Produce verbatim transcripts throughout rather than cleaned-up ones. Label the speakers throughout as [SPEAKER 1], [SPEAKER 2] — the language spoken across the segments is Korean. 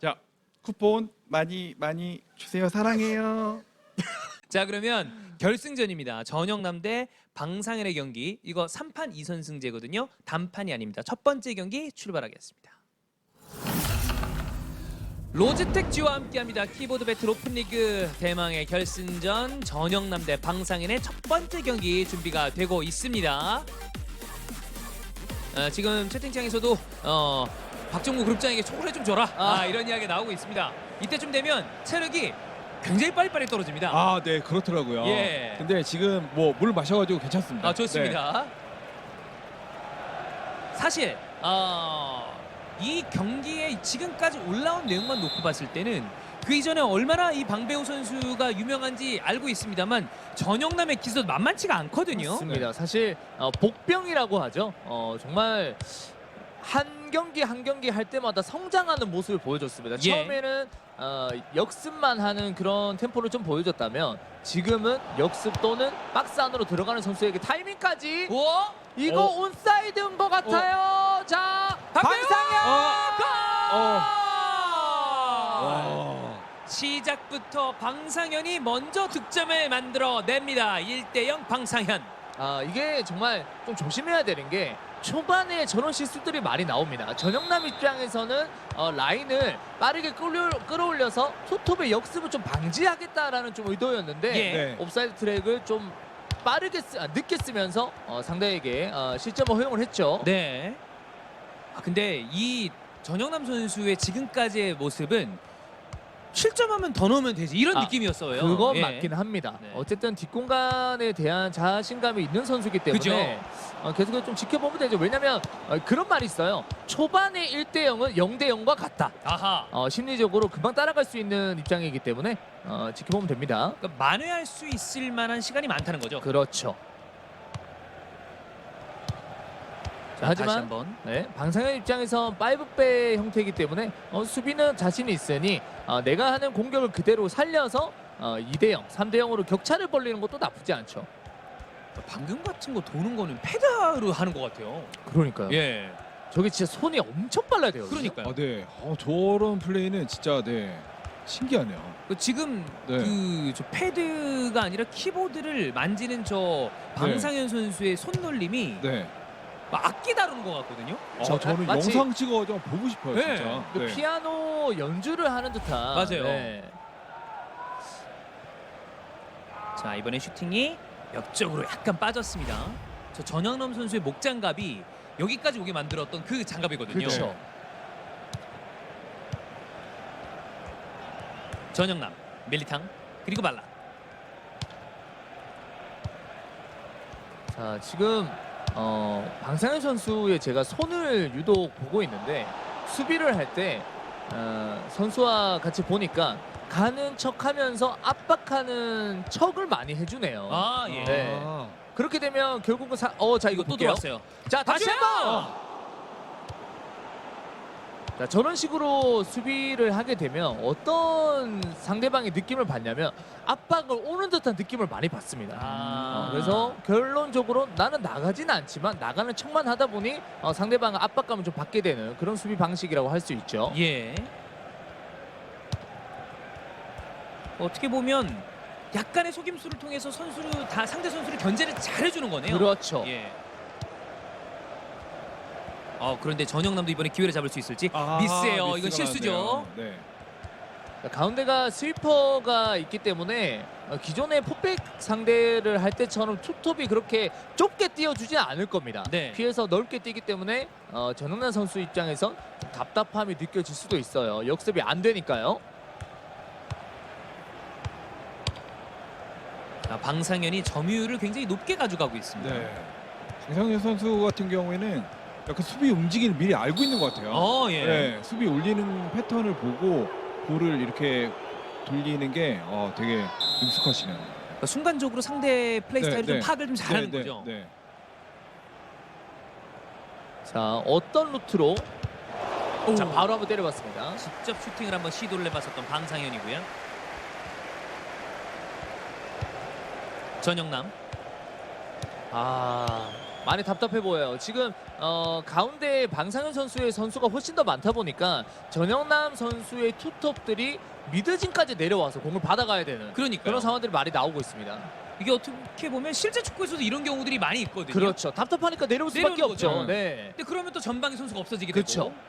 [SPEAKER 1] 자, 쿠폰 많이 많이 주세요. 사랑해요.
[SPEAKER 2] 자, 그러면 결승전입니다. 전영남 대 방상현의 경기. 이거 삼 판 이 선승제거든요. 단판이 아닙니다. 첫 번째 경기 출발하겠습니다. 로즈텍지와 함께합니다. 키보드 배틀 오픈리그 대망의 결승전 전영남 대 방상현의 첫 번째 경기 준비가 되고 있습니다. 어, 지금 채팅창에서도 어, 박정구 그룹장에게 초콜릿 좀 줘라 아. 아, 이런 이야기가 나오고 있습니다. 이때쯤 되면 체력이 굉장히 빨리빨리 떨어집니다.
[SPEAKER 1] 아, 네, 그렇더라고요.
[SPEAKER 2] 예.
[SPEAKER 1] 근데 지금 뭐 물 마셔가지고 괜찮습니다.
[SPEAKER 2] 아, 좋습니다. 사실 어, 이 경기에 지금까지 올라온 내용만 놓고 봤을 때는 그 이전에 얼마나 이 방배우 선수가 유명한지 알고 있습니다만 전영남의 기술도 만만치가 않거든요.
[SPEAKER 3] 맞습니다. 사실 어, 복병이라고 하죠. 어, 정말 한 경기 한 경기 할 때마다 성장하는 모습을 보여줬습니다.
[SPEAKER 2] 예.
[SPEAKER 3] 처음에는 어, 역습만 하는 그런 템포를 좀 보여줬다면 지금은 역습 또는 박스 안으로 들어가는 선수에게 타이밍까지
[SPEAKER 2] 우와!
[SPEAKER 3] 이거
[SPEAKER 1] 어.
[SPEAKER 3] 온사이드인 것 같아요. 자, 방상현
[SPEAKER 1] 어.
[SPEAKER 3] 골!
[SPEAKER 1] 와.
[SPEAKER 2] 시작부터 방상현이 먼저 득점을 만들어냅니다. 일 대 영 방상현.
[SPEAKER 3] 아, 이게 정말 좀 조심해야 되는 게 초반에 저런 실수들이 많이 나옵니다. 전영남 입장에서는 어, 라인을 빠르게 끌어, 끌어올려서 투톱의 역습을 좀 방지하겠다라는 좀 의도였는데
[SPEAKER 2] 예.
[SPEAKER 1] 네.
[SPEAKER 3] 옵사이드 트랙을 좀 빠르게 쓰, 아, 늦게 쓰면서 어, 상대에게 어, 실점을 허용을 했죠.
[SPEAKER 2] 네. 아, 근데 이 전영남 선수의 지금까지의 모습은 실점하면 더 넣으면 되지 이런
[SPEAKER 3] 아,
[SPEAKER 2] 느낌이었어요.
[SPEAKER 3] 그건
[SPEAKER 2] 예.
[SPEAKER 3] 맞긴 합니다.
[SPEAKER 2] 네.
[SPEAKER 3] 어쨌든 뒷공간에 대한 자신감이 있는 선수이기 때문에 어, 계속 좀 지켜보면 되죠. 왜냐면 어, 그런 말이 있어요. 초반에 일 대 영은 영 대 영과 같다.
[SPEAKER 2] 아하.
[SPEAKER 3] 어, 심리적으로 금방 따라갈 수 있는 입장이기 때문에 어, 지켜보면 됩니다.
[SPEAKER 2] 그러니까 만회할 수 있을 만한 시간이 많다는 거죠.
[SPEAKER 3] 그렇죠.
[SPEAKER 2] 자,
[SPEAKER 3] 하지만
[SPEAKER 2] 다시 한번.
[SPEAKER 3] 네, 방상현 입장에선 파이브백 형태이기 때문에 어, 수비는 자신이 있으니 어, 내가 하는 공격을 그대로 살려서 어, 이 대 영, 삼 대 영으로 격차를 벌리는 것도 나쁘지 않죠.
[SPEAKER 2] 방금 같은 거 도는 거는 페달로 하는 것 같아요.
[SPEAKER 3] 그러니까요.
[SPEAKER 2] 예.
[SPEAKER 3] 저게 진짜 손이 엄청 빨라야 돼요.
[SPEAKER 2] 그러니까요.
[SPEAKER 1] 아, 네. 어, 저런 플레이는 진짜 네 신기하네요.
[SPEAKER 2] 그 지금
[SPEAKER 1] 네.
[SPEAKER 2] 그 저 패드가 아니라 키보드를 만지는 저 방상현 선수의 손놀림이
[SPEAKER 1] 네.
[SPEAKER 2] 막 악기 다루는 것 같거든요.
[SPEAKER 1] 어, 저는
[SPEAKER 3] 마치-
[SPEAKER 1] 영상 찍어 좀 보고 싶어요,
[SPEAKER 2] 네.
[SPEAKER 1] 진짜.
[SPEAKER 3] 그 피아노 연주를 하는 듯한.
[SPEAKER 2] 맞아요.
[SPEAKER 3] 네.
[SPEAKER 2] 자, 이번에 슈팅이 옆쪽으로 약간 빠졌습니다. 저 전영남 선수의 목장갑이 여기까지 오게 만들었던 그 장갑이거든요.
[SPEAKER 3] 그렇죠.
[SPEAKER 2] 전영남, 밀리탕, 그리고 발라.
[SPEAKER 3] 자, 지금 어, 방상현 선수의 제가 손을 유독 보고 있는데 수비를 할 때 어, 선수와 같이 보니까 가는 척하면서 압박하는 척을 많이 해주네요.
[SPEAKER 2] 아, 예.
[SPEAKER 3] 네.
[SPEAKER 1] 아.
[SPEAKER 3] 그렇게 되면 결국은 사... 어, 자, 이거
[SPEAKER 2] 이거 또
[SPEAKER 3] 볼게요.
[SPEAKER 2] 들어왔어요.
[SPEAKER 3] 자, 다시
[SPEAKER 2] 다시
[SPEAKER 3] 한번. 자, 저런 식으로 수비를 하게 되면 어떤 상대방의 느낌을 받냐면 압박을 오는 듯한 느낌을 많이 받습니다.
[SPEAKER 2] 아.
[SPEAKER 3] 어, 그래서 결론적으로 나는 나가지는 않지만 나가는 척만 하다 보니 어, 상대방의 압박감을 좀 받게 되는 그런 수비 방식이라고 할 수 있죠.
[SPEAKER 2] 예. 어떻게 보면 약간의 속임수를 통해서 선수를 다 상대 선수를 견제를 잘해주는 거네요.
[SPEAKER 3] 그렇죠.
[SPEAKER 2] 예. 어, 그런데 전영남도 이번에 기회를 잡을 수 있을지
[SPEAKER 1] 아,
[SPEAKER 2] 미스예요. 이건
[SPEAKER 1] 미스가
[SPEAKER 2] 실수죠.
[SPEAKER 1] 나왔네요. 네.
[SPEAKER 3] 자, 가운데가 스위퍼가 있기 때문에 어, 기존의 풋백 상대를 할 때처럼 투톱이 그렇게 좁게 띄워주지 않을 겁니다.
[SPEAKER 2] 네.
[SPEAKER 3] 피해서 넓게 뛰기 때문에 어, 전영남 선수 입장에선 좀 답답함이 느껴질 수도 있어요. 역습이 안 되니까요.
[SPEAKER 2] 자, 방상현이 점유율을 굉장히 높게 가져가고 있습니다.
[SPEAKER 1] 네. 방상현 선수 같은 경우에는 약간 수비 움직임을 미리 알고 있는 것 같아요.
[SPEAKER 2] 어, 예.
[SPEAKER 1] 네, 수비 올리는 패턴을 보고 볼을 이렇게 돌리는 게 어, 되게 능숙하시네요.
[SPEAKER 2] 그러니까 순간적으로 상대 플레이
[SPEAKER 1] 네,
[SPEAKER 2] 스타일을 좀
[SPEAKER 1] 네.
[SPEAKER 2] 파악을 좀 잘하는
[SPEAKER 1] 네,
[SPEAKER 2] 거죠.
[SPEAKER 1] 네, 네.
[SPEAKER 3] 자, 어떤 루트로
[SPEAKER 2] 오.
[SPEAKER 3] 자, 바로 한번 때려봤습니다.
[SPEAKER 2] 직접 슈팅을 한번 시도를 해봤었던 방상현이고요. 전영남.
[SPEAKER 3] 아, 많이 답답해 보여요. 지금 어, 가운데 방상현 선수의 선수가 훨씬 더 많다 보니까 전영남 선수의 투톱들이 미드진까지 내려와서 공을 받아가야 되는
[SPEAKER 2] 그러니까요.
[SPEAKER 3] 그런 상황들이 많이 나오고 있습니다.
[SPEAKER 2] 이게 어떻게 보면 실제 축구에서도 이런 경우들이 많이 있거든요.
[SPEAKER 3] 그렇죠. 답답하니까 내려올 수밖에
[SPEAKER 2] 내려오는
[SPEAKER 3] 없죠.
[SPEAKER 2] 거죠.
[SPEAKER 3] 네.
[SPEAKER 2] 근데 그러면 또 전방의 선수가 없어지게
[SPEAKER 3] 그렇죠.
[SPEAKER 2] 되고.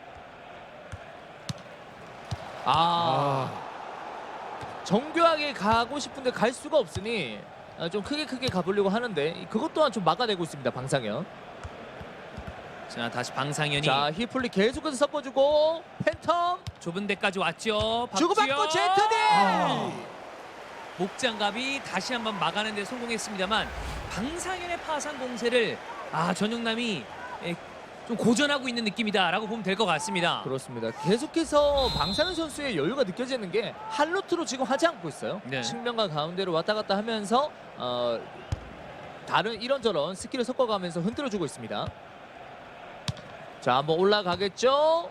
[SPEAKER 3] 아, 정교하게 가고 싶은데 갈 수가 없으니 아, 좀 크게 크게 가보려고 하는데 그것 또한 좀 막아내고 있습니다. 방상현.
[SPEAKER 2] 자, 다시 방상현이
[SPEAKER 3] 자, 히플리 계속해서 섞어주고 팬텀
[SPEAKER 2] 좁은 데까지 왔죠.
[SPEAKER 3] 주고받고
[SPEAKER 2] 박지현.
[SPEAKER 3] 제트디.
[SPEAKER 1] 아.
[SPEAKER 2] 목장갑이 다시 한번 막아내는 데 성공했습니다만 방상현의 파상 공세를 아 전용남이 예, 좀 고전하고 있는 느낌이다라고 보면 될 것 같습니다.
[SPEAKER 3] 그렇습니다. 계속해서 방상현 선수의 여유가 느껴지는 게 한 루트로 지금 하지 않고 있어요.
[SPEAKER 2] 네.
[SPEAKER 3] 측면과 가운데로 왔다 갔다 하면서 어, 다른 이런저런 스킬을 섞어가면서 흔들어주고 있습니다. 자, 한번 올라가겠죠?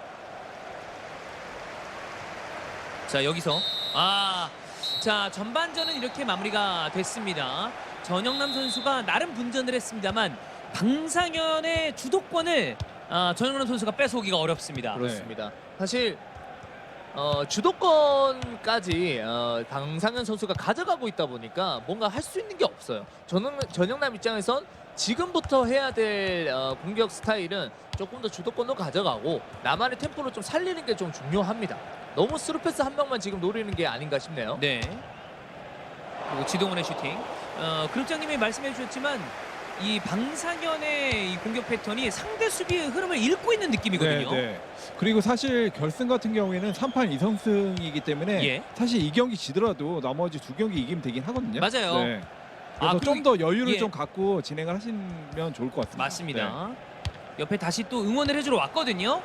[SPEAKER 2] 자, 여기서 아, 자 전반전은 이렇게 마무리가 됐습니다. 전영남 선수가 나름 분전을 했습니다만 방상현의 주도권을 아, 전영남 선수가 뺏어오기가 어렵습니다.
[SPEAKER 3] 그렇습니다. 사실 어, 주도권까지 어, 방상현 선수가 가져가고 있다 보니까 뭔가 할 수 있는 게 없어요. 전영, 전영남 입장에선 지금부터 해야 될 어, 공격 스타일은 조금 더 주도권도 가져가고 나만의 템포를 좀 살리는 게 좀 중요합니다. 너무 스루패스 한 명만 지금 노리는 게 아닌가 싶네요.
[SPEAKER 2] 네. 그리고 지동원의 슈팅. 어, 그룹장님이 말씀해 주셨지만 이 방상현의 이 공격 패턴이 상대 수비의 흐름을 읽고 있는 느낌이거든요.
[SPEAKER 1] 네, 네. 그리고 사실 결승 같은 경우에는 삼 판 이 선승이기 때문에
[SPEAKER 2] 예.
[SPEAKER 1] 사실 이 경기 지더라도 나머지 두 경기 이기면 되긴 하거든요.
[SPEAKER 2] 맞아요.
[SPEAKER 1] 네.
[SPEAKER 2] 아,
[SPEAKER 1] 그래서
[SPEAKER 2] 그리고-
[SPEAKER 1] 좀 더 여유를
[SPEAKER 2] 예.
[SPEAKER 1] 좀 갖고 진행을 하시면 좋을 것 같습니다.
[SPEAKER 2] 맞습니다.
[SPEAKER 1] 네.
[SPEAKER 2] 옆에 다시 또 응원을 해주러 왔거든요.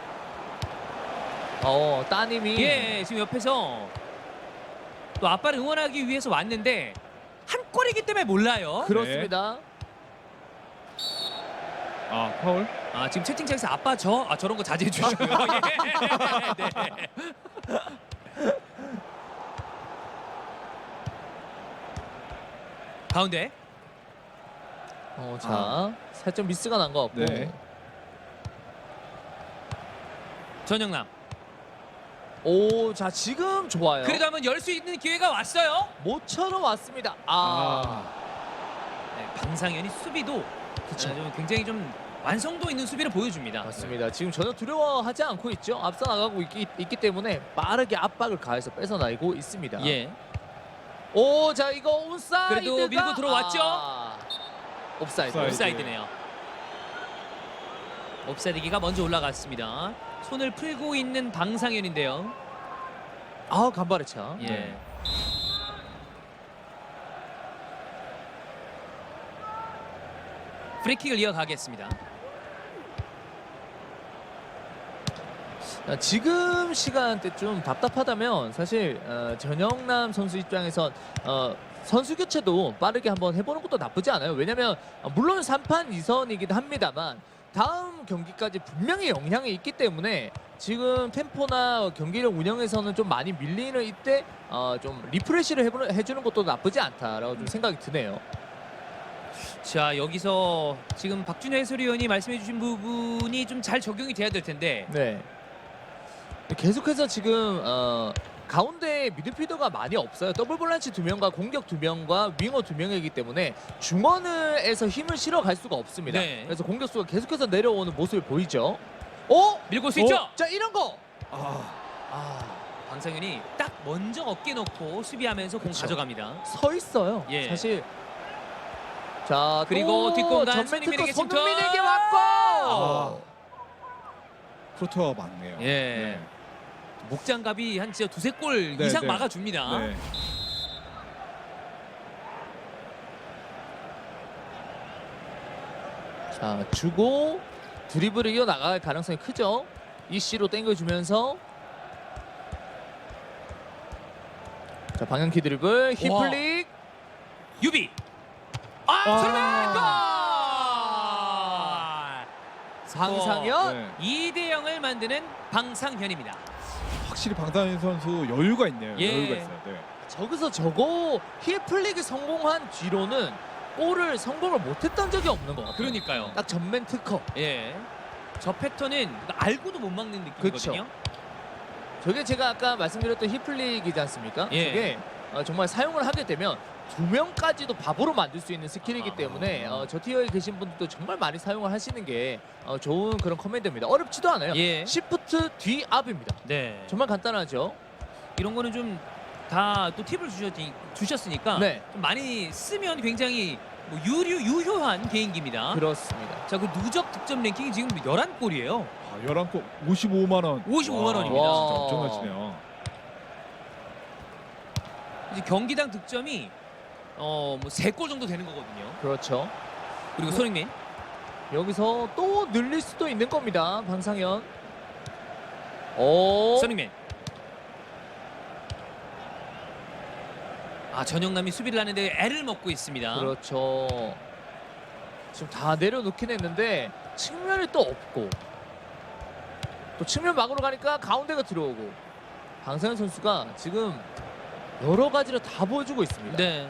[SPEAKER 3] 어, 따님이
[SPEAKER 2] 예, 지금 옆에서 또 아빠를 응원하기 위해서 왔는데 한 골이기 때문에 몰라요.
[SPEAKER 3] 그렇습니다.
[SPEAKER 1] 아, 파울?
[SPEAKER 2] 아, 지금 채팅창에서 아빠 저, 아 저런 거 자제해 주시고요. 예. 네. 가운데.
[SPEAKER 3] 어, 자, 살짝 미스가 난 것 같고.
[SPEAKER 1] 네.
[SPEAKER 2] 전영남.
[SPEAKER 3] 오, 자, 지금 좋아요.
[SPEAKER 2] 그래도 한번 열 수 있는 기회가 왔어요.
[SPEAKER 3] 모처럼 왔습니다. 아,
[SPEAKER 1] 아,
[SPEAKER 2] 네, 방상현이 수비도
[SPEAKER 3] 그쵸.
[SPEAKER 2] 어, 좀 굉장히 좀 완성도 있는 수비를 보여줍니다.
[SPEAKER 3] 맞습니다. 지금 전혀 두려워하지 않고 있죠. 앞서 나가고 있기, 있기 때문에 빠르게 압박을 가해서 뺏어나가고 있습니다.
[SPEAKER 2] 예.
[SPEAKER 3] 오, 자, 이거 온사이드가
[SPEAKER 2] 그래도 밀고 들어왔죠?
[SPEAKER 3] 아, 옵사이드.
[SPEAKER 1] 옵사이드.
[SPEAKER 2] 옵사이드네요. 옵사이드기가 먼저 올라갔습니다. 손을 풀고 있는 방상현인데요.
[SPEAKER 3] 아, 간발의 차.
[SPEAKER 2] 예.
[SPEAKER 1] 네.
[SPEAKER 2] 프리킥을 이어가겠습니다.
[SPEAKER 3] 아, 지금 시간대 좀 답답하다면 사실 어, 전영남 선수 입장에선 어, 선수 교체도 빠르게 한번 해보는 것도 나쁘지 않아요. 왜냐면 어, 물론 삼 판 이 선이긴 합니다만 다음 경기까지 분명히 영향이 있기 때문에 지금 템포나 경기력 운영에서는 좀 많이 밀리는 이때 어, 좀 리프레시를 해보는, 해주는 것도 나쁘지 않다라고 좀 생각이 드네요.
[SPEAKER 2] 자, 여기서 지금 박준현 해설위원이 말씀해주신 부분이 좀 잘 적용이 돼야 될 텐데.
[SPEAKER 3] 네. 계속해서 지금 어, 가운데 미드필더가 많이 없어요. 더블 볼란치 두 명과 공격 두 명과 윙어 두 명이기 때문에 중원에서 힘을 실어 갈 수가 없습니다.
[SPEAKER 2] 네.
[SPEAKER 3] 그래서 공격수가 계속해서 내려오는 모습을 보이죠. 오!
[SPEAKER 2] 밀고 수 있죠?
[SPEAKER 3] 자, 이런 거.
[SPEAKER 1] 아,
[SPEAKER 3] 아,
[SPEAKER 2] 방상현이 딱 먼저 어깨 놓고 수비하면서 공
[SPEAKER 3] 그쵸.
[SPEAKER 2] 가져갑니다.
[SPEAKER 3] 서 있어요.
[SPEAKER 2] 예.
[SPEAKER 3] 사실. 자,
[SPEAKER 2] 그리고
[SPEAKER 3] 또
[SPEAKER 2] 뒷공간
[SPEAKER 3] 전면
[SPEAKER 2] 손흥민에게
[SPEAKER 3] 특허
[SPEAKER 2] 침투.
[SPEAKER 3] 손흥민에게 왔고.
[SPEAKER 1] 아. 프로토가 많네요.
[SPEAKER 2] 예. 목장갑이 한 진짜 두세 골
[SPEAKER 1] 네,
[SPEAKER 2] 이상
[SPEAKER 1] 네.
[SPEAKER 2] 막아줍니다.
[SPEAKER 1] 네.
[SPEAKER 3] 자, 주고 드리블을 이어나갈 가능성이 크죠. 이씨로 땡겨주면서 자, 방향키 드리블 히플릭.
[SPEAKER 2] 유비. 아,
[SPEAKER 1] 아.
[SPEAKER 2] 손흥민 골!
[SPEAKER 3] 방상현.
[SPEAKER 1] 네.
[SPEAKER 2] 이 대 영을 만드는 방상현입니다.
[SPEAKER 1] 확실히 방상현 선수 여유가 있네요.
[SPEAKER 2] 예.
[SPEAKER 1] 여유가 있어요. 네.
[SPEAKER 3] 저기서 저거 히플릭이 성공한 뒤로는 골을 성공을 못했던 적이 없는 것 같아요.
[SPEAKER 2] 그러니까요.
[SPEAKER 3] 딱 전면 특허.
[SPEAKER 2] 예. 저 패턴은 알고도 못 막는 느낌이거든요.
[SPEAKER 3] 저게 제가 아까 말씀드렸던 히플릭이지 않습니까?
[SPEAKER 2] 예.
[SPEAKER 3] 저게 어, 정말 사용을 하게 되면 두 명까지도 바보로 만들 수 있는 스킬이기
[SPEAKER 2] 아.
[SPEAKER 3] 때문에 어, 저 티어에 계신 분들도 정말 많이 사용을 하시는 게 어, 좋은 그런 커맨드입니다. 어렵지도 않아요.
[SPEAKER 2] 예.
[SPEAKER 3] 시프트 뒤 앞입니다.
[SPEAKER 2] 네.
[SPEAKER 3] 정말 간단하죠.
[SPEAKER 2] 이런 거는 좀 다 또 팁을 주셨, 주셨으니까
[SPEAKER 3] 네,
[SPEAKER 2] 좀 많이 쓰면 굉장히 뭐 유료, 유효한 개인기입니다.
[SPEAKER 3] 그렇습니다.
[SPEAKER 2] 자, 그 누적 득점 랭킹이 지금 열한 골이에요.
[SPEAKER 1] 아, 열한 골 오십오만 원.
[SPEAKER 2] 오십오만
[SPEAKER 1] 와,
[SPEAKER 2] 원입니다.
[SPEAKER 1] 진짜
[SPEAKER 3] 와.
[SPEAKER 1] 엄청나시네요.
[SPEAKER 2] 이제 경기당 득점이 어, 뭐 세 골 정도 되는 거거든요.
[SPEAKER 3] 그렇죠.
[SPEAKER 2] 그리고 손흥민.
[SPEAKER 3] 여기서 또 늘릴 수도 있는 겁니다. 방상현. 오.
[SPEAKER 2] 손흥민. 아, 전영남이 수비를 하는데 애를 먹고 있습니다.
[SPEAKER 3] 그렇죠. 지금 다 내려놓긴 했는데 측면이 또 없고 또 측면 막으로 가니까 가운데가 들어오고 방상현 선수가 지금 여러 가지를 다 보여주고 있습니다.
[SPEAKER 2] 네.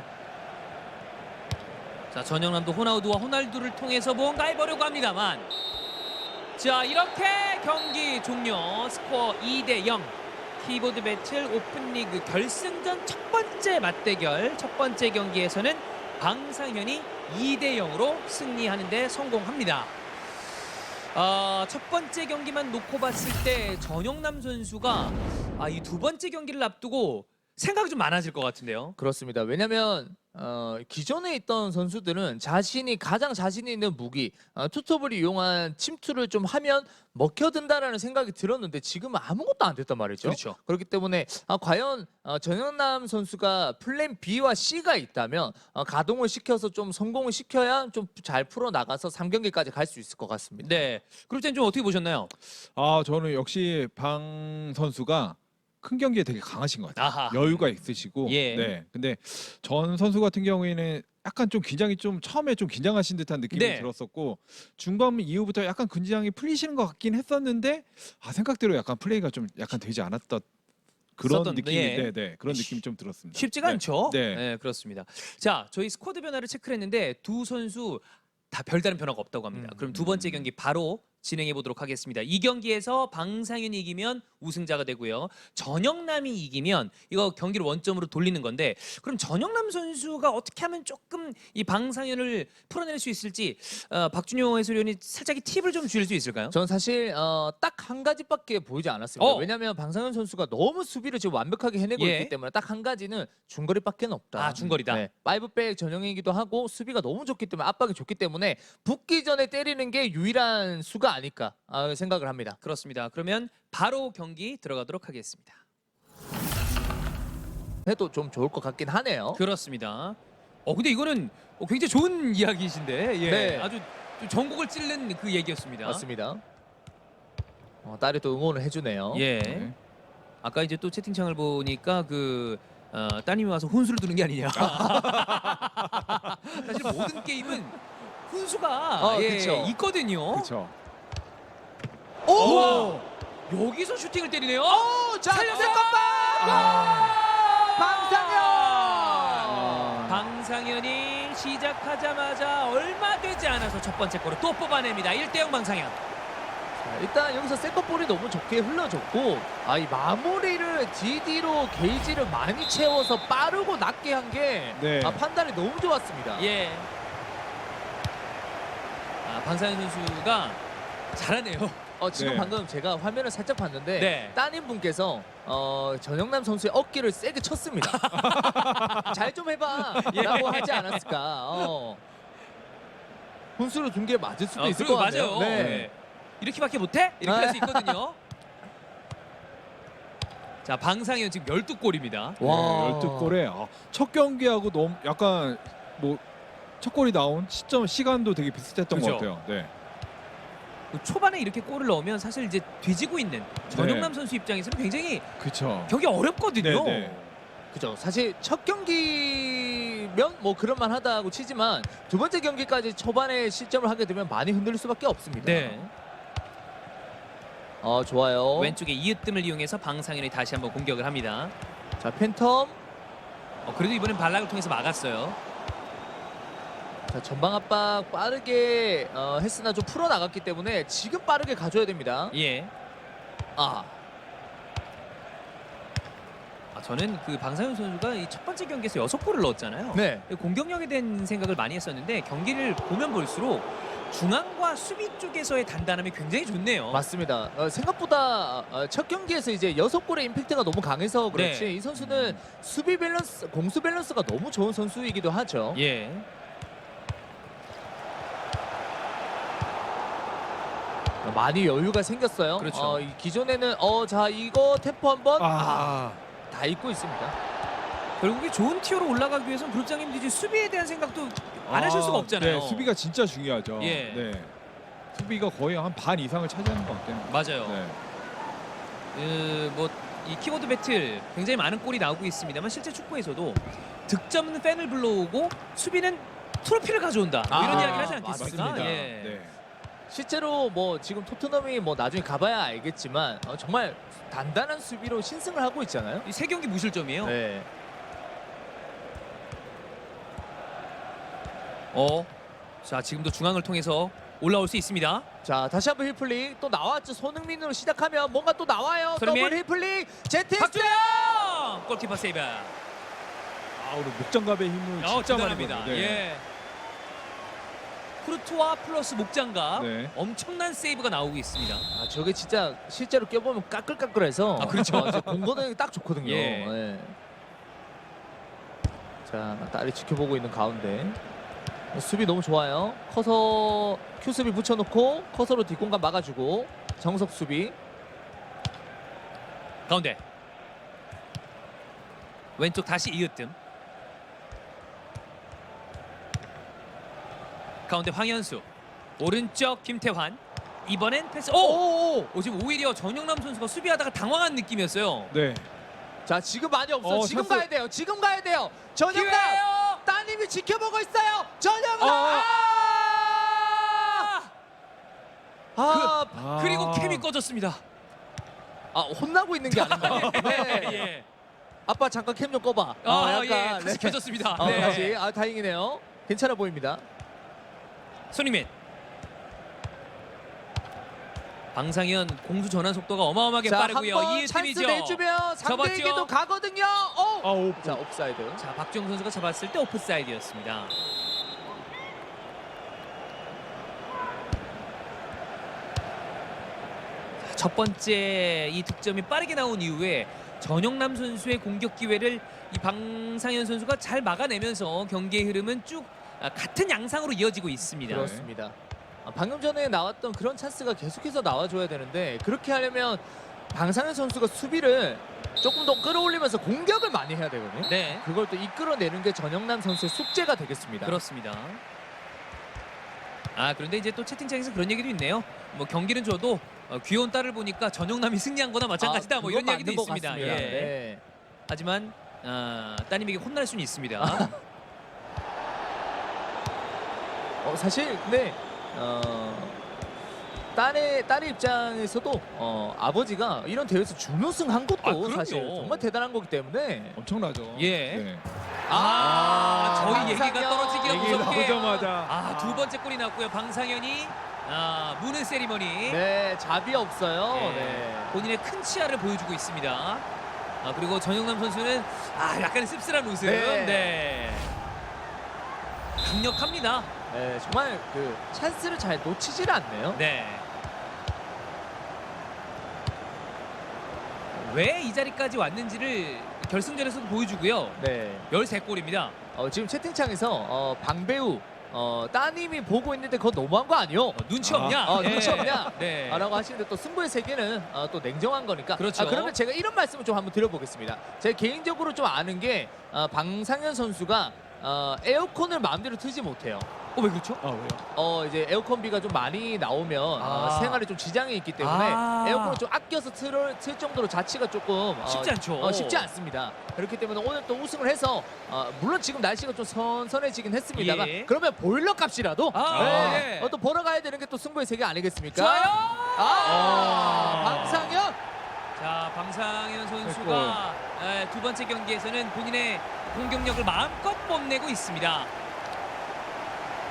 [SPEAKER 2] 자, 전영남도 호나우두와 호날두를 통해서 뭔가 해보려고 합니다만, 자, 이렇게 경기 종료. 스코어 이 대 영. 키보드 배틀 오픈리그 결승전 첫 번째 맞대결, 첫 번째 경기에서는 방상현이 이 대 영으로 승리하는 데 성공합니다. 어, 첫 번째 경기만 놓고 봤을 때 전영남 선수가 아, 이 두 번째 경기를 앞두고 생각이 좀 많아질 것 같은데요.
[SPEAKER 3] 그렇습니다. 왜냐하면 어, 기존에 있던 선수들은 자신이 가장 자신 있는 무기 어, 투톱을 이용한 침투를 좀 하면 먹혀든다라는 생각이 들었는데 지금은 아무것도 안 됐단 말이죠.
[SPEAKER 2] 그렇죠.
[SPEAKER 3] 그렇기 때문에 아, 과연 어, 전영남 선수가 플랜 B와 C가 있다면 어, 가동을 시켜서 좀 성공을 시켜야 좀 잘 풀어 나가서 삼 경기까지 갈 수 있을 것 같습니다.
[SPEAKER 2] 네. 그럴 땐 좀 어떻게 보셨나요?
[SPEAKER 1] 아, 저는 역시 방 선수가 큰 경기에 되게 강하신 것 같아요.
[SPEAKER 2] 아하.
[SPEAKER 1] 여유가 있으시고.
[SPEAKER 2] 예.
[SPEAKER 1] 네. 근데 전 선수 같은 경우에는 약간 좀 긴장이 좀 처음에 좀 긴장하신 듯한 느낌이
[SPEAKER 2] 네.
[SPEAKER 1] 들었었고 중반 이후부터 약간 긴장이 풀리시는 것 같긴 했었는데 아, 생각대로 약간 플레이가 좀 약간 되지 않았던 그런
[SPEAKER 2] 썼던,
[SPEAKER 1] 느낌이
[SPEAKER 2] 예.
[SPEAKER 1] 네, 네. 그런 느낌이 좀 들었습니다.
[SPEAKER 2] 쉽지가
[SPEAKER 1] 네.
[SPEAKER 2] 않죠.
[SPEAKER 1] 네.
[SPEAKER 2] 네, 그렇습니다. 자, 저희 스쿼드 변화를 체크를 했는데 두 선수 다 별다른 변화가 없다고 합니다.
[SPEAKER 3] 음.
[SPEAKER 2] 그럼 두 번째 경기 바로 진행해 보도록 하겠습니다. 이 경기에서 방상현이 이기면 우승자가 되고요. 전영남이 이기면 이거 경기를 원점으로 돌리는 건데 그럼 전영남 선수가 어떻게 하면 조금 이 방상현을 풀어낼 수 있을지 어, 박준효 해설위원이 살짝 팁을 좀 주실 수 있을까요?
[SPEAKER 3] 전 사실 어, 딱 한 가지밖에 보이지 않았습니다.
[SPEAKER 2] 어.
[SPEAKER 3] 왜냐하면 방상현 선수가 너무 수비를 지금 완벽하게 해내고
[SPEAKER 2] 예.
[SPEAKER 3] 있기 때문에 딱 한 가지는 중거리밖에 없다.
[SPEAKER 2] 아, 중거리다.
[SPEAKER 3] 네, 파이브백 전형이기도 하고 수비가 너무 좋기 때문에 압박이 좋기 때문에 붙기 전에 때리는 게 유일한 수가 아닐까 아, 생각을 합니다.
[SPEAKER 2] 그렇습니다. 그러면 바로 경기 들어가도록 하겠습니다.
[SPEAKER 3] 해도 좀 좋을 것 같긴 하네요.
[SPEAKER 2] 그렇습니다. 어 근데 이거는 어, 굉장히 좋은 이야기이신데 예.
[SPEAKER 3] 네.
[SPEAKER 2] 아주 좀 전국을 찌른 그 얘기였습니다.
[SPEAKER 3] 맞습니다. 어, 딸이 또 응원을 해주네요.
[SPEAKER 2] 예.
[SPEAKER 1] 네.
[SPEAKER 2] 아까 이제 또 채팅창을 보니까 그 어, 따님이 와서 혼수를 두는 게 아니냐. 사실 모든 게임은 훈수가
[SPEAKER 3] 어,
[SPEAKER 2] 예,
[SPEAKER 3] 그쵸.
[SPEAKER 2] 있거든요.
[SPEAKER 1] 그렇죠.
[SPEAKER 3] 오!
[SPEAKER 2] 우와! 여기서 슈팅을 때리네요.
[SPEAKER 3] 오! 자,
[SPEAKER 2] 살렸어요!
[SPEAKER 3] 세컨볼!
[SPEAKER 2] 아.
[SPEAKER 3] 방상현!
[SPEAKER 1] 아.
[SPEAKER 2] 방상현이 시작하자마자 얼마 되지 않아서 첫 번째 골을 또 뽑아냅니다. 일 대 영 방상현.
[SPEAKER 3] 자, 일단 여기서 세컨볼이 너무 좋게 흘러줬고 아, 이 마무리를 디디로 게이지를 많이 채워서 빠르고 낮게 한 게
[SPEAKER 1] 네.
[SPEAKER 3] 아, 판단이 너무 좋았습니다.
[SPEAKER 2] 예. 아, 방상현 선수가 잘하네요.
[SPEAKER 3] 어, 지금
[SPEAKER 1] 네.
[SPEAKER 3] 방금 제가 화면을 살짝 봤는데
[SPEAKER 2] 네.
[SPEAKER 3] 따님 분께서 어, 전영남 선수의 어깨를 세게 쳤습니다. 잘 좀 해봐
[SPEAKER 2] 예.
[SPEAKER 3] 라고 하지 않았을까. 어. 훈수로 둔 게 맞을 수도
[SPEAKER 2] 어,
[SPEAKER 3] 있을
[SPEAKER 2] 그리고
[SPEAKER 3] 것 같아요.
[SPEAKER 2] 맞아요.
[SPEAKER 3] 네.
[SPEAKER 2] 네. 이렇게밖에 못해? 이렇게 할 수 있거든요. 자, 방상현 지금 열두 골입니다.
[SPEAKER 3] 와.
[SPEAKER 1] 열두 골에 아, 첫 경기하고 너무 약간 뭐 첫 골이 나온 시점 시간도 되게 비슷했던
[SPEAKER 2] 그죠?
[SPEAKER 1] 것 같아요. 네.
[SPEAKER 2] 그 초반에 이렇게 골을 넣으면 사실 이제 뒤지고 있는 전영남 선수 입장에서는 굉장히
[SPEAKER 1] 그렇죠.
[SPEAKER 2] 경기 어렵거든요.
[SPEAKER 1] 네, 네.
[SPEAKER 3] 그죠. 사실 첫 경기면 뭐 그럴만 하다고 치지만 두 번째 경기까지 초반에 실점을 하게 되면 많이 흔들릴 수밖에 없습니다.
[SPEAKER 2] 네.
[SPEAKER 3] 어, 좋아요.
[SPEAKER 2] 왼쪽에 이으뜸을 이용해서 방상현이 다시 한번 공격을 합니다.
[SPEAKER 3] 자, 팬텀.
[SPEAKER 2] 어, 그래도 이번엔 발락을 통해서 막았어요.
[SPEAKER 3] 자, 전방 압박 빠르게 어, 했으나 좀 풀어 나갔기 때문에 지금 빠르게 가져야 됩니다.
[SPEAKER 2] 예.
[SPEAKER 3] 아,
[SPEAKER 2] 아, 저는 그 방상현 선수가 이 첫 번째 경기에서 여섯 골을 넣었잖아요.
[SPEAKER 3] 네.
[SPEAKER 2] 공격력에 대한 생각을 많이 했었는데 경기를 보면 볼수록 중앙과 수비 쪽에서의 단단함이 굉장히 좋네요.
[SPEAKER 3] 맞습니다. 어, 생각보다 어, 첫 경기에서 이제 여섯 골의 임팩트가 너무 강해서 그렇지
[SPEAKER 2] 네.
[SPEAKER 3] 이 선수는 수비 밸런스, 공수 밸런스가 너무 좋은 선수이기도 하죠.
[SPEAKER 2] 예.
[SPEAKER 3] 어, 많이 여유가 생겼어요.
[SPEAKER 2] 그렇죠.
[SPEAKER 3] 어, 이 기존에는 어, 자 이거 템포 한번 아,
[SPEAKER 1] 아,
[SPEAKER 3] 다 잊고 있습니다.
[SPEAKER 2] 결국에 좋은 티어로 올라가기 위해서는 그룹장님도 이제 수비에 대한 생각도 안 하실 수가 없잖아요.
[SPEAKER 1] 네, 수비가 진짜 중요하죠.
[SPEAKER 2] 예.
[SPEAKER 1] 네. 수비가 거의 한 반 이상을 차지하는 것 같아요.
[SPEAKER 2] 맞아요.
[SPEAKER 1] 네.
[SPEAKER 2] 그 뭐 이 키보드 배틀 굉장히 많은 골이 나오고 있습니다만 실제 축구에서도 득점은 팬을 불러오고 수비는 트로피를 가져온다. 뭐 이런
[SPEAKER 3] 아,
[SPEAKER 2] 이야기를 하지 않겠습니까?
[SPEAKER 1] 맞습니다.
[SPEAKER 2] 예.
[SPEAKER 1] 네.
[SPEAKER 3] 실제로 뭐 지금 토트넘이 뭐 나중에 가봐야 알겠지만 어, 정말 단단한 수비로 신승을 하고 있잖아요.
[SPEAKER 2] 이 세 경기 무실점이에요.
[SPEAKER 3] 네.
[SPEAKER 2] 어. 자, 지금도 중앙을 통해서 올라올 수 있습니다.
[SPEAKER 3] 자 다시 한번 힐플릭 또 나왔죠. 손흥민으로 시작하면 뭔가 또 나와요.
[SPEAKER 2] 손흥민.
[SPEAKER 3] 더블 힐플릭 제트
[SPEAKER 2] 박주영! 골키퍼 세이브.
[SPEAKER 1] 아, 오늘 목장갑의 힘을
[SPEAKER 2] 어,
[SPEAKER 1] 진짜 많이
[SPEAKER 2] 대단합니다.
[SPEAKER 1] 보여요. 네.
[SPEAKER 2] 예. 쿠르투아 플러스 목장갑.
[SPEAKER 1] 네.
[SPEAKER 2] 엄청난 세이브가 나오고 있습니다.
[SPEAKER 3] 아 저게 진짜 실제로 껴보면 까끌까끌해서
[SPEAKER 2] 아, 그렇죠.
[SPEAKER 3] 어, 공거는 딱 좋거든요.
[SPEAKER 2] 예.
[SPEAKER 3] 예. 자 딸이 지켜보고 있는 가운데 수비 너무 좋아요. 커서 큐 수비 붙여놓고 커서로 뒷공간 막아주고 정석 수비.
[SPEAKER 2] 가운데. 왼쪽 다시 이으뜸. 가운데 황현수. 오른쪽 김태환. 이번엔 패스. 오!
[SPEAKER 3] 오!
[SPEAKER 2] 오, 지금 오히려 전영남 선수가 수비하다가 당황한 느낌이었어요.
[SPEAKER 1] 네.
[SPEAKER 3] 자 지금 많이 없어.
[SPEAKER 1] 어,
[SPEAKER 3] 지금
[SPEAKER 1] 찬스.
[SPEAKER 3] 가야 돼요. 지금 가야 돼요. 전영남
[SPEAKER 2] 기회예요.
[SPEAKER 3] 따님이 지켜보고 있어요. 전영남.
[SPEAKER 1] 어.
[SPEAKER 3] 아! 아,
[SPEAKER 1] 아.
[SPEAKER 2] 그리고 캠이 꺼졌습니다.
[SPEAKER 3] 아 혼나고 있는 게 아닌가. 네.
[SPEAKER 2] 예.
[SPEAKER 3] 아빠 잠깐 캠 좀 꺼봐.
[SPEAKER 2] 아,
[SPEAKER 3] 어,
[SPEAKER 2] 예.
[SPEAKER 3] 약간,
[SPEAKER 2] 다시
[SPEAKER 3] 네.
[SPEAKER 2] 켜졌습니다.
[SPEAKER 3] 어,
[SPEAKER 2] 네.
[SPEAKER 3] 다시. 아 다행이네요. 괜찮아 보입니다.
[SPEAKER 2] 손흥민. 방상현 공수 전환 속도가 어마어마하게
[SPEAKER 3] 자
[SPEAKER 2] 빠르고요.
[SPEAKER 3] 한번
[SPEAKER 2] 이
[SPEAKER 3] 찬스
[SPEAKER 2] 팀이죠.
[SPEAKER 3] 내주면 상대에게도
[SPEAKER 2] 접었죠.
[SPEAKER 3] 가거든요. 오!
[SPEAKER 1] 아, 오.
[SPEAKER 3] 자 옵사이드.
[SPEAKER 2] 자, 박주영 선수가 잡았을 때 오프사이드였습니다. 자, 첫 번째 이 득점이 빠르게 나온 이후에 전영남 선수의 공격 기회를 이 방상현 선수가 잘 막아내면서 경기의 흐름은 쭉 아, 같은 양상으로 이어지고 있습니다.
[SPEAKER 3] 그렇습니다. 아, 방금 전에 나왔던 그런 찬스가 계속해서 나와줘야 되는데 그렇게 하려면 방상현 선수가 수비를 조금 더 끌어올리면서 공격을 많이 해야 되거든요.
[SPEAKER 2] 네,
[SPEAKER 3] 그걸 또 이끌어내는 게 전영남 선수의 숙제가 되겠습니다.
[SPEAKER 2] 그렇습니다. 아, 그런데 이제 또 채팅창에서 그런 얘기도 있네요. 뭐 경기는 줘도 어, 귀여운 딸을 보니까 전영남이 승리한 거나 마찬가지다.
[SPEAKER 3] 아,
[SPEAKER 2] 뭐 이런
[SPEAKER 3] 그건
[SPEAKER 2] 얘기도
[SPEAKER 3] 맞는 것
[SPEAKER 2] 있습니다.
[SPEAKER 3] 같습니다.
[SPEAKER 2] 예.
[SPEAKER 3] 네.
[SPEAKER 2] 하지만 아, 따님에게 혼날 수는 있습니다.
[SPEAKER 3] 어, 사실 근데 어, 딸의 딸의 입장에서도 어, 아버지가 이런 대회에서 준우승 한 것도
[SPEAKER 2] 아, 그럼요.
[SPEAKER 3] 사실 정말 대단한 거기 때문에
[SPEAKER 1] 엄청나죠.
[SPEAKER 2] 예.
[SPEAKER 1] 네.
[SPEAKER 2] 아, 저희
[SPEAKER 3] 방상현.
[SPEAKER 2] 얘기가 떨어지기가
[SPEAKER 1] 얘기
[SPEAKER 2] 무섭게.
[SPEAKER 1] 나오자마자
[SPEAKER 2] 아, 두 번째 골이 났고요. 방상현이 아, 무는 세리머니.
[SPEAKER 3] 네 잡이 없어요.
[SPEAKER 2] 예.
[SPEAKER 3] 네.
[SPEAKER 2] 본인의 큰 치아를 보여주고 있습니다. 아, 그리고 전영남 선수는 아, 약간 씁쓸한 웃음.
[SPEAKER 3] 네.
[SPEAKER 2] 네. 강력합니다.
[SPEAKER 3] 네, 정말 그 찬스를 잘 놓치질 않네요.
[SPEAKER 2] 네. 왜 이 자리까지 왔는지를 결승전에서도 보여주고요.
[SPEAKER 3] 네.
[SPEAKER 2] 열세 골입니다.
[SPEAKER 3] 어, 지금 채팅창에서 어, 방배우 어, 따님이 보고 있는데 그거 너무한 거 아니요?
[SPEAKER 2] 어, 눈치
[SPEAKER 1] 아.
[SPEAKER 2] 없냐?
[SPEAKER 3] 어,
[SPEAKER 2] 예.
[SPEAKER 3] 눈치 없냐?
[SPEAKER 2] 네.
[SPEAKER 3] 아, 라고 하시는데 또 승부의 세계는 어, 또 냉정한 거니까.
[SPEAKER 2] 그렇죠.
[SPEAKER 3] 아, 그러면 제가 이런 말씀을 좀 한번 드려보겠습니다. 제가 개인적으로 좀 아는 게 어, 방상현 선수가 어, 에어컨을 마음대로 틀지 못해요.
[SPEAKER 2] 어, 왜 그렇죠?
[SPEAKER 1] 아, 왜요?
[SPEAKER 3] 어 이제 에어컨비가 좀 많이 나오면 어,
[SPEAKER 2] 아.
[SPEAKER 3] 생활에 좀 지장이 있기 때문에
[SPEAKER 2] 아.
[SPEAKER 3] 에어컨을 좀 아껴서 틀, 틀 정도로 자취가 조금 어,
[SPEAKER 2] 쉽지 않죠.
[SPEAKER 3] 어, 쉽지 않습니다. 그렇기 때문에 오늘 또 우승을 해서 어, 물론 지금 날씨가 좀 선선해지긴 했습니다만
[SPEAKER 2] 예.
[SPEAKER 3] 그러면 보일러 값이라도
[SPEAKER 2] 아,
[SPEAKER 3] 네,
[SPEAKER 2] 예.
[SPEAKER 3] 어, 또 벌어 가야 되는 게 또 승부의 세계 아니겠습니까?
[SPEAKER 2] 좋아요.
[SPEAKER 3] 아, 방상현.
[SPEAKER 2] 자, 방상현 선수가 에, 두 번째 경기에서는 본인의 공격력을 마음껏 뽐내고 있습니다.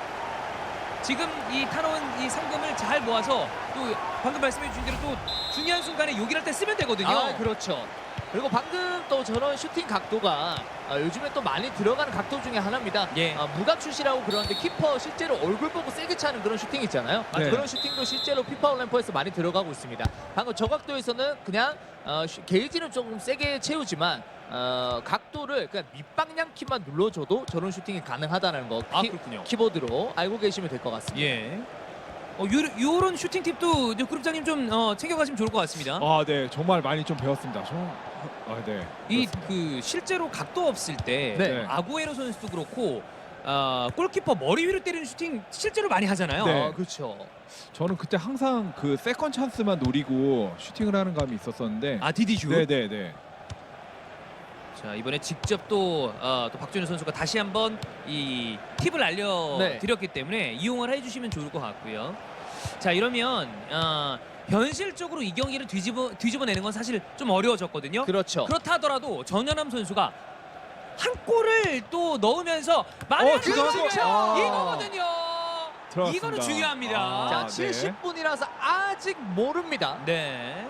[SPEAKER 2] 지금 이 타놓은 이 상금을 잘 모아서 또 방금 말씀해 주신 대로 또 중요한 순간에 요기할 때 쓰면 되거든요.
[SPEAKER 3] 아, 그렇죠. 그리고 방금 또 저런 슈팅 각도가 아, 요즘에 또 많이 들어가는 각도 중에 하나입니다.
[SPEAKER 2] 예.
[SPEAKER 3] 아, 무각슛이라고 그러는데 키퍼 실제로 얼굴 보고 세게 차는 그런 슈팅 있잖아요. 아,
[SPEAKER 1] 네.
[SPEAKER 3] 그런 슈팅도 실제로 피파 올림픽에서 많이 들어가고 있습니다. 방금 저 각도에서는 그냥 어, 슈- 게이지는 조금 세게 채우지만 어, 각도를 그냥 밑방향 키만 눌러줘도 저런 슈팅이 가능하다는 거
[SPEAKER 2] 아,
[SPEAKER 3] 키,
[SPEAKER 2] 그렇군요.
[SPEAKER 3] 키보드로 알고 계시면 될 것 같습니다.
[SPEAKER 2] 예. 어, 요, 요런 슈팅 팁도 이제 그룹장님 좀 어, 챙겨가시면 좋을 것 같습니다.
[SPEAKER 1] 아, 네, 정말 많이 좀 배웠습니다. 저, 아, 네.
[SPEAKER 2] 이
[SPEAKER 1] 그렇습니다.
[SPEAKER 2] 그 실제로 각도 없을 때
[SPEAKER 3] 네.
[SPEAKER 2] 아구에로 선수도 그렇고 어, 골키퍼 머리 위로 때리는 슈팅 실제로 많이 하잖아요.
[SPEAKER 1] 네.
[SPEAKER 3] 아, 그렇죠.
[SPEAKER 1] 저는 그때 항상 그 세컨 찬스만 노리고 슈팅을 하는 감이 있었었는데.
[SPEAKER 2] 아 디디슛.
[SPEAKER 1] 네, 네, 네.
[SPEAKER 2] 자 이번에 직접 또, 어, 또 박준호 선수가 다시 한번 이 팁을 알려드렸기 때문에 이용을 해주시면 좋을 것 같고요. 자 이러면 어, 현실적으로 이 경기를 뒤집어 뒤집어내는 건 사실 좀 어려워졌거든요.
[SPEAKER 3] 그렇죠.
[SPEAKER 2] 그렇다 하더라도 전현암 선수가 한 골을 또 넣으면서 만약에
[SPEAKER 1] 어, 지금
[SPEAKER 2] 중요해요.
[SPEAKER 1] 아.
[SPEAKER 2] 이거거든요.
[SPEAKER 1] 들어갔습니다.
[SPEAKER 2] 이거는 중요합니다.
[SPEAKER 1] 아,
[SPEAKER 3] 자,
[SPEAKER 1] 네.
[SPEAKER 3] 칠십 분이라서 아직 모릅니다.
[SPEAKER 2] 네.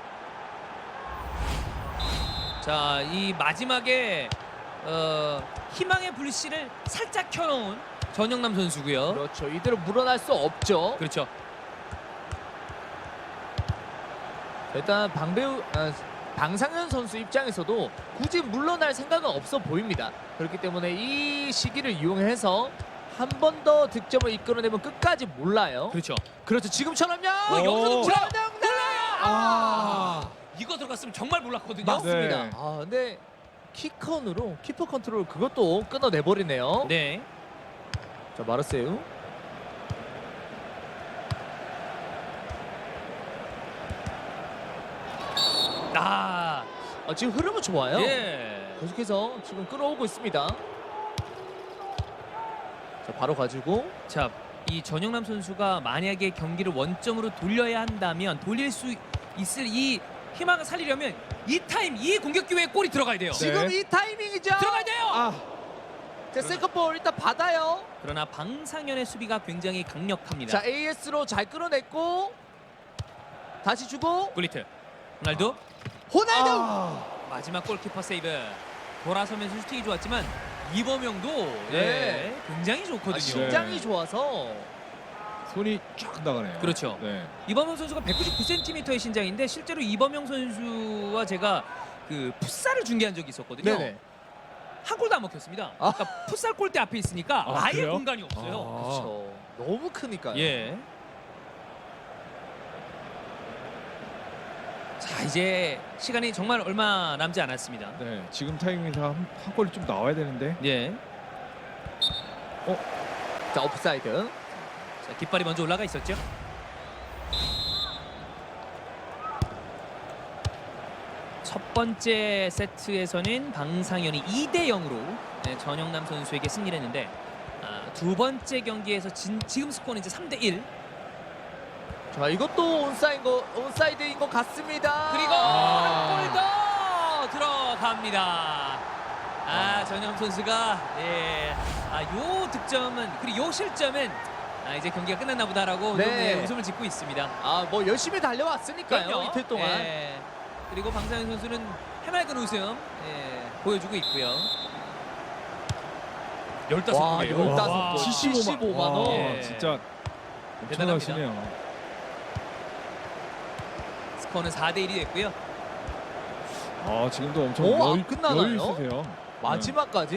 [SPEAKER 2] 자, 이 마지막에 어, 희망의 불씨를 살짝 켜놓은 전영남 선수고요.
[SPEAKER 3] 그렇죠. 이대로 물러날 수 없죠.
[SPEAKER 2] 그렇죠.
[SPEAKER 3] 일단 방배우 아, 방상현 선수 입장에서도 굳이 물러날 생각은 없어 보입니다. 그렇기 때문에 이 시기를 이용해서 한 번 더 득점을 이끌어내면 끝까지 몰라요.
[SPEAKER 2] 그렇죠.
[SPEAKER 3] 그렇죠. 지금처럼요.
[SPEAKER 2] 어, 여기서도
[SPEAKER 1] 오.
[SPEAKER 2] 전영남
[SPEAKER 1] 아.
[SPEAKER 2] 이거 들어갔으면 정말 몰랐거든요.
[SPEAKER 3] 맞습니다.
[SPEAKER 1] 네.
[SPEAKER 3] 아, 근데 키컨으로 키퍼 컨트롤 그것도 끊어내 버리네요.
[SPEAKER 2] 네.
[SPEAKER 3] 자, 마르세유.
[SPEAKER 2] 아,
[SPEAKER 3] 아, 지금 흐름은 좋아요.
[SPEAKER 2] 예.
[SPEAKER 3] 계속해서 지금 끌어오고 있습니다. 자, 바로 가지고
[SPEAKER 2] 자, 이 전영남 선수가 만약에 경기를 원점으로 돌려야 한다면 돌릴 수 있을 이 희망을 살리려면 이 타임, 이 공격 기회에 골이 들어가야 돼요.
[SPEAKER 1] 네.
[SPEAKER 3] 지금 이 타이밍이죠.
[SPEAKER 2] 들어가야 돼요.
[SPEAKER 1] 아,
[SPEAKER 3] 자, 세컨볼 일단 받아요.
[SPEAKER 2] 그러나 방상현의 수비가 굉장히 강력합니다.
[SPEAKER 3] 자, 에이에스로 잘 끌어냈고 다시 주고
[SPEAKER 2] 굴리트, 호날두,
[SPEAKER 3] 호날두.
[SPEAKER 1] 아.
[SPEAKER 2] 마지막 골키퍼 세이브. 돌아서면서 슈팅이 좋았지만 이범영도
[SPEAKER 3] 네.
[SPEAKER 2] 예, 굉장히 좋거든요.
[SPEAKER 3] 아, 심장이
[SPEAKER 1] 네.
[SPEAKER 3] 좋아서
[SPEAKER 1] 손이 쫙 나가네요.
[SPEAKER 2] 그렇죠.
[SPEAKER 1] 네.
[SPEAKER 2] 이범영 선수가 백구십구 센티미터의 신장인데 실제로 이범영 선수와 제가 그 풋살을 중계한 적이 있었거든요.
[SPEAKER 3] 네네.
[SPEAKER 2] 한 골도 안 먹혔습니다.
[SPEAKER 3] 아.
[SPEAKER 2] 그러니까 풋살 골대 앞에 있으니까
[SPEAKER 1] 아,
[SPEAKER 2] 아, 예
[SPEAKER 1] 그래요?
[SPEAKER 2] 공간이 없어요.
[SPEAKER 1] 아.
[SPEAKER 3] 그렇죠. 너무 크니까요.
[SPEAKER 2] 예. 자 이제 시간이 정말 얼마 남지 않았습니다.
[SPEAKER 1] 네, 지금 타이밍에서 한, 한 골이 좀 나와야 되는데.
[SPEAKER 2] 예.
[SPEAKER 3] 자, 옵사이드.
[SPEAKER 2] 자, 깃발이 먼저 올라가 있었죠. 첫 번째 세트에서는 방상현이 이 대 영으로 네, 전영남 선수에게 승리를 했는데 아, 두 번째 경기에서 진, 지금 스코어는 이제 삼 대 일.
[SPEAKER 3] 자, 이것도 온사인 거 온사이드인 것 같습니다.
[SPEAKER 2] 그리고
[SPEAKER 1] 아.
[SPEAKER 2] 한 골 더 들어갑니다. 아, 전영 선수가 예, 아, 요 득점은 그리고 요 실점은 아, 이제 경기가 끝났나 보다라고
[SPEAKER 3] 네.
[SPEAKER 2] 좀, 예, 웃음을 짓고 있습니다.
[SPEAKER 3] 아, 뭐 열심히 달려왔으니까요.
[SPEAKER 2] 그럼요.
[SPEAKER 3] 이틀 동안.
[SPEAKER 2] 예. 그리고 방상현 선수는 해맑은 웃음 예, 보여주고 있고요. 열다섯
[SPEAKER 3] 와,
[SPEAKER 2] 골이에요.
[SPEAKER 3] 열다섯
[SPEAKER 2] 와.
[SPEAKER 3] 골. 칠십오만
[SPEAKER 1] 와,
[SPEAKER 3] 원.
[SPEAKER 2] 예.
[SPEAKER 1] 진짜
[SPEAKER 2] 대단합니다.
[SPEAKER 1] 엄청나시네요.
[SPEAKER 2] 스코어는 사 대 일이 됐고요.
[SPEAKER 1] 아, 지금도 엄청
[SPEAKER 3] 오, 안
[SPEAKER 1] 여,
[SPEAKER 3] 끝나나요?
[SPEAKER 1] 여유 있으세요.
[SPEAKER 3] 마지막까지.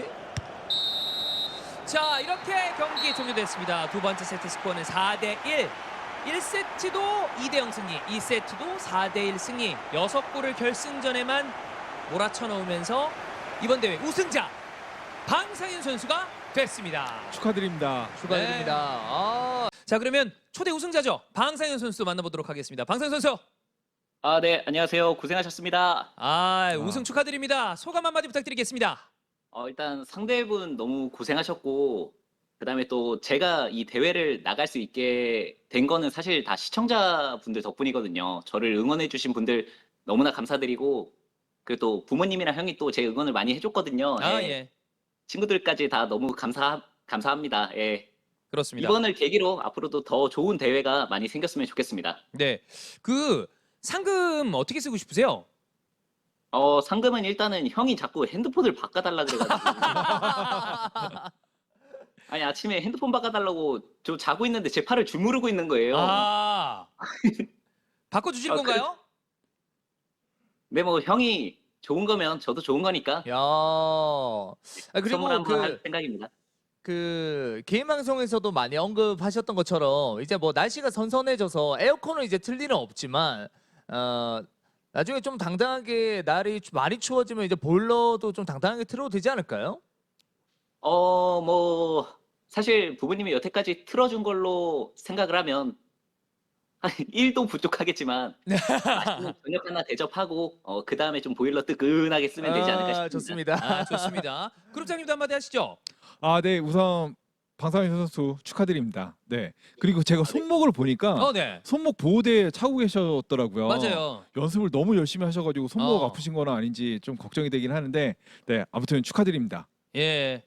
[SPEAKER 2] 자 이렇게 경기 종료됐습니다. 두 번째 세트 스코어는 사 대 일. 일 세트도 이 대 영 승리, 이 세트도 사 대 일 승리. 여섯 골을 결승전에만 몰아쳐 넣으면서 이번 대회 우승자 방상현 선수가 됐습니다.
[SPEAKER 1] 축하드립니다.
[SPEAKER 3] 축하드립니다. 아,
[SPEAKER 2] 자 그러면 초대 우승자죠. 방상현 선수 만나보도록 하겠습니다. 방상현 선수.
[SPEAKER 4] 아, 네, 안녕하세요. 고생하셨습니다.
[SPEAKER 2] 아 우승 축하드립니다. 소감 한마디 부탁드리겠습니다.
[SPEAKER 4] 어, 일단 상대분 너무 고생하셨고, 그다음에 또 제가 이 대회를 나갈 수 있게 된 거는 사실 다 시청자분들 덕분이거든요. 저를 응원해주신 분들 너무나 감사드리고, 그리고 또 부모님이랑 형이 또 제 응원을 많이 해줬거든요.
[SPEAKER 2] 아
[SPEAKER 4] 예.
[SPEAKER 2] 예.
[SPEAKER 4] 친구들까지 다 너무 감사 감사합니다. 예.
[SPEAKER 2] 그렇습니다.
[SPEAKER 4] 이번을 계기로 앞으로도 더 좋은 대회가 많이 생겼으면 좋겠습니다.
[SPEAKER 2] 네. 그 상금 어떻게 쓰고 싶으세요?
[SPEAKER 4] 어, 상금은 일단은 형이 자꾸 핸드폰을 바꿔달라 그래가지고. 아니, 아침에 핸드폰 바꿔달라고 저 자고 있는데 제 팔을 주무르고 있는 거예요.
[SPEAKER 2] 아. 바꿔 주실
[SPEAKER 4] 아,
[SPEAKER 2] 건가요?
[SPEAKER 4] 네, 뭐 형이 좋은 거면 저도 좋은 거니까
[SPEAKER 3] 야. 아,
[SPEAKER 4] 선물
[SPEAKER 3] 그리고
[SPEAKER 4] 한번 할
[SPEAKER 3] 그,
[SPEAKER 4] 생각입니다.
[SPEAKER 3] 그 개인 방송에서도 많이 언급하셨던 것처럼 이제 뭐 날씨가 선선해져서 에어컨은 이제 틀 일은 없지만 어 나중에 좀 당당하게 날이 추- 많이 추워지면 이제 보일러도 좀 당당하게 틀어도 되지 않을까요?
[SPEAKER 4] 어, 뭐 사실 부모님이 여태까지 틀어준 걸로 생각을 하면 한 일도 부족하겠지만 맛있는 저녁 하나 대접하고 어, 그 다음에 좀 보일러 뜨끈하게 쓰면 되지 않을까
[SPEAKER 3] 아,
[SPEAKER 4] 싶습니다.
[SPEAKER 3] 좋습니다.
[SPEAKER 2] 아, 좋습니다. 그룹장님도 한마디 하시죠.
[SPEAKER 1] 아, 네. 우선 방상현 선수 축하드립니다. 네. 그리고 제가 손목을 보니까
[SPEAKER 2] 어, 네.
[SPEAKER 1] 손목 보호대 차고 계셨더라고요.
[SPEAKER 2] 맞아요.
[SPEAKER 1] 연습을 너무 열심히 하셔가지고 손목
[SPEAKER 2] 어.
[SPEAKER 1] 아프신 건 아닌지 좀 걱정이 되긴 하는데, 네. 아무튼 축하드립니다.
[SPEAKER 2] 예.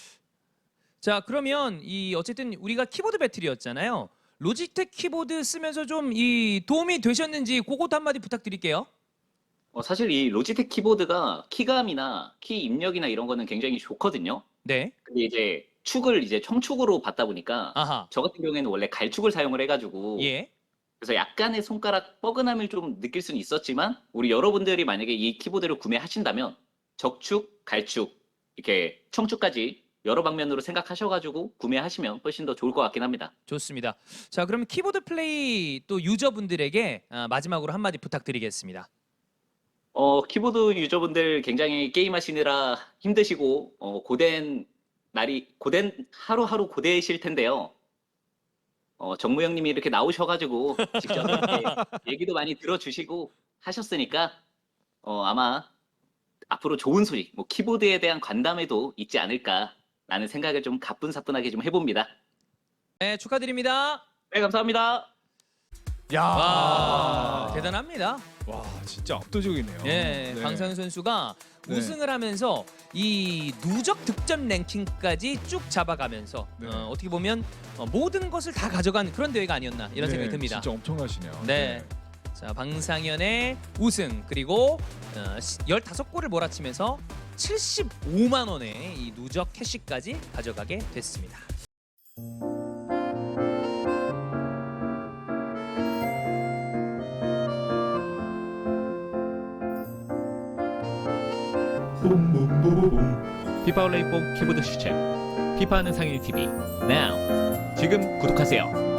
[SPEAKER 2] 자, 그러면 이 어쨌든 우리가 키보드 배틀이었잖아요. 로지텍 키보드 쓰면서 좀 이 도움이 되셨는지 그것도 한마디 부탁드릴게요.
[SPEAKER 4] 어, 사실 이 로지텍 키보드가 키감이나 키 입력이나 이런 거는 굉장히 좋거든요.
[SPEAKER 2] 네.
[SPEAKER 4] 근데 이제 축을 이제 청축으로 받다 보니까
[SPEAKER 2] 아하.
[SPEAKER 4] 저 같은 경우에는 원래 갈축을 사용을 해가지고
[SPEAKER 2] 예.
[SPEAKER 4] 그래서 약간의 손가락 뻐근함을 좀 느낄 수는 있었지만 우리 여러분들이 만약에 이 키보드를 구매하신다면 적축, 갈축 이렇게 청축까지 여러 방면으로 생각하셔가지고 구매하시면 훨씬 더 좋을 것 같긴 합니다.
[SPEAKER 2] 좋습니다. 자, 그럼 키보드 플레이 또 유저분들에게 아, 마지막으로 한마디 부탁드리겠습니다.
[SPEAKER 4] 어, 키보드 유저분들 굉장히 게임하시느라 힘드시고 어, 고된 날이 고된 하루하루 고되실 텐데요. 어, 정무 형님이 이렇게 나오셔가지고 직접 이렇게 얘기도 많이 들어주시고 하셨으니까 어, 아마 앞으로 좋은 소식, 뭐 키보드에 대한 관담에도 있지 않을까라는 생각을 좀 가뿐사뿐하게 좀 해봅니다.
[SPEAKER 2] 네, 축하드립니다.
[SPEAKER 4] 네, 감사합니다.
[SPEAKER 3] 야.
[SPEAKER 2] 와, 대단합니다.
[SPEAKER 1] 와, 진짜 압도적이네요.
[SPEAKER 2] 예,
[SPEAKER 1] 네.
[SPEAKER 2] 방상현 선수가
[SPEAKER 1] 네.
[SPEAKER 2] 우승을 하면서 이 누적 득점 랭킹까지 쭉 잡아가면서
[SPEAKER 1] 네.
[SPEAKER 2] 어, 어떻게 보면 어, 모든 것을 다 가져간 그런 대회가 아니었나 이런
[SPEAKER 1] 네,
[SPEAKER 2] 생각이 듭니다.
[SPEAKER 1] 진짜 엄청나시네요.
[SPEAKER 2] 네. 자, 방상현의 우승 그리고 어, 열다섯 골을 몰아치면서 칠십오만 원의 이 누적 캐시까지 가져가게 됐습니다.
[SPEAKER 5] 피파 온라인 폼 키보드 시청 피파하는 상일 티비 now 지금 구독하세요.